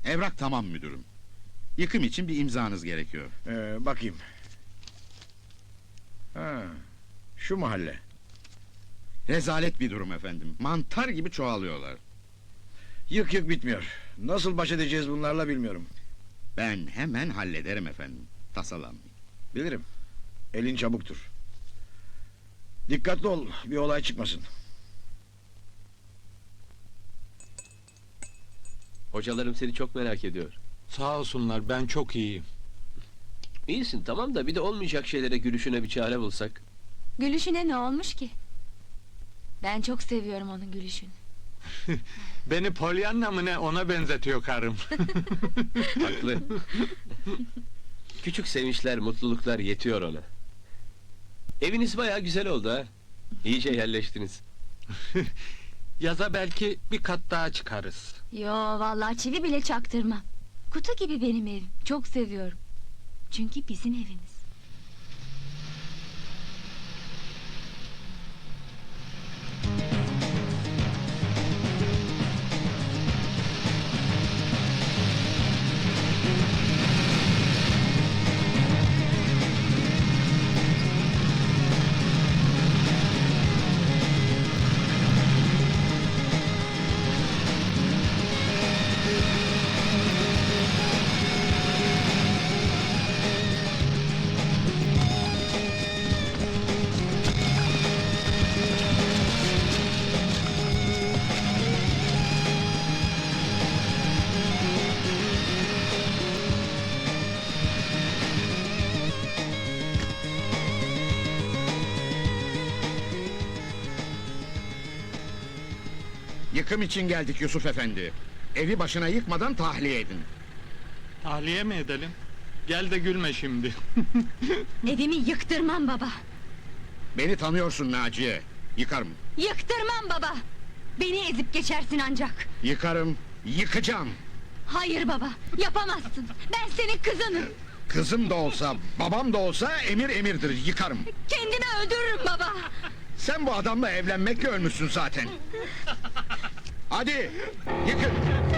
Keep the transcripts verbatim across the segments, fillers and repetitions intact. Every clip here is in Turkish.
Evrak tamam müdürüm. Yıkım için bir imzanız gerekiyor. Ee, bakayım. Ha, şu mahalle. Rezalet bir durum efendim. Mantar gibi çoğalıyorlar. Yık yık bitmiyor. Nasıl baş edeceğiz bunlarla bilmiyorum. Ben hemen hallederim efendim. Tasalanmayın. Bilirim. Elin çabuktur. Dikkatli ol, bir olay çıkmasın. Hocalarım seni çok merak ediyor. Sağ olsunlar, ben çok iyiyim. İyisin tamam da bir de olmayacak şeylere gülüşüne bir çare bulsak. Gülüşüne ne olmuş ki? Ben çok seviyorum onun gülüşünü. Beni Pollyanna mı ne, ona benzetiyor karım. Haklı. Küçük sevinçler, mutluluklar yetiyor ona. Eviniz bayağı güzel oldu ha. İyice yerleştiniz. Yaza belki bir kat daha çıkarız. Yo vallahi çivi bile çaktırmam. Kutu gibi benim evim. Çok seviyorum. Çünkü bizim evimiz. Yıkım için geldik Yusuf efendi. Evi başına yıkmadan tahliye edin. Tahliye mi edelim? Gel de gülme şimdi. Evimi yıktırmam baba. Beni tanıyorsun Naciye. Yıkarım. Yıktırmam baba. Beni ezip geçersin ancak. Yıkarım. Yıkacağım. Hayır baba, yapamazsın. Ben senin kızınım. Kızım da olsa, babam da olsa emir emirdir. Yıkarım. Kendimi öldürürüm baba. Sen bu adamla evlenmekle ölmüşsün zaten. Hadi yıkın.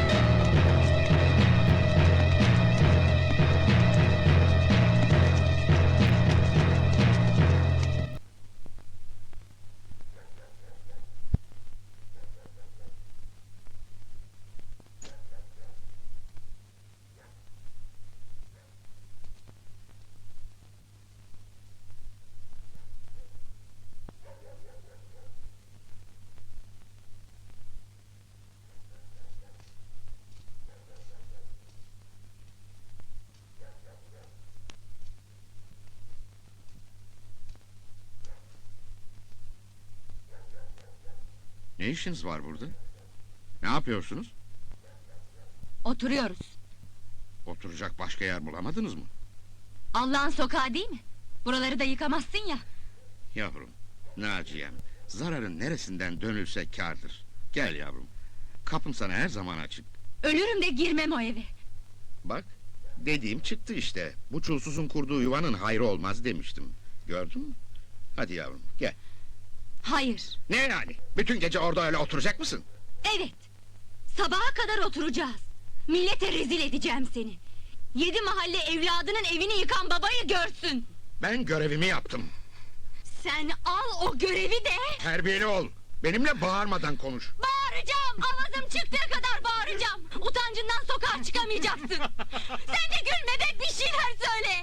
Ne işiniz var burada? Ne yapıyorsunuz? Oturuyoruz. Oturacak başka yer bulamadınız mı? Allah'ın sokağı değil mi? Buraları da yıkamazsın ya. Yavrum, Naciye'm, zararın neresinden dönülse kârdır. Gel yavrum, kapım sana her zaman açık. Ölürüm de girmem o eve. Bak, dediğim çıktı işte. Bu çulsuzun kurduğu yuvanın hayrı olmaz demiştim. Gördün mü? Hadi yavrum, gel. Hayır. Ne yani? Bütün gece orada öyle oturacak mısın? Evet. Sabaha kadar oturacağız. Millete rezil edeceğim seni. Yedi mahalle evladının evini yıkan babayı görsün. Ben görevimi yaptım. Sen al o görevi de... Terbiyeli ol. Benimle bağırmadan konuş. Bağıracağım. Avazım çıktığı kadar bağıracağım. Utancından sokağa çıkamayacaksın. Sen de gülme be, bir şeyler söyle.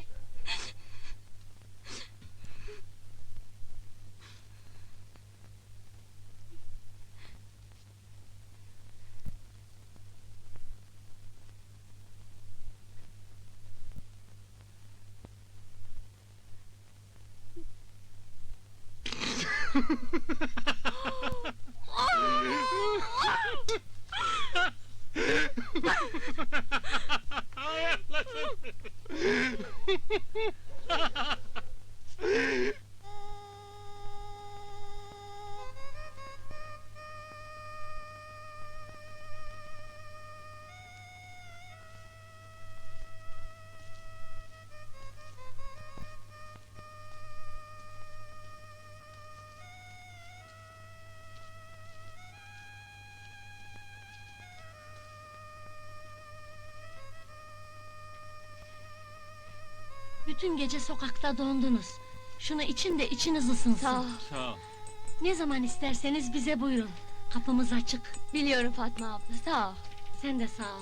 bütün gece sokakta dondunuz. Şunu için de içiniz ısınsın. Sağ ol. Sağ ol. Ne zaman isterseniz bize buyurun. Kapımız açık. Biliyorum Fatma abla, sağ ol. Sen de sağ ol.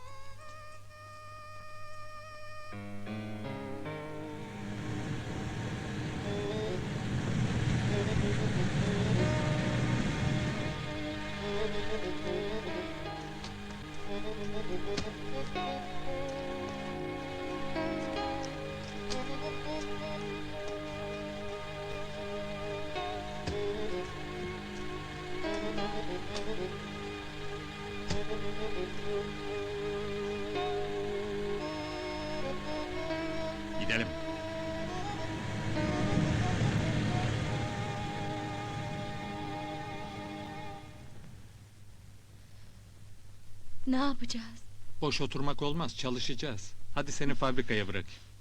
Gidelim. Ne yapacağız? Boş oturmak olmaz, çalışacağız. Hadi seni fabrikaya bırakayım.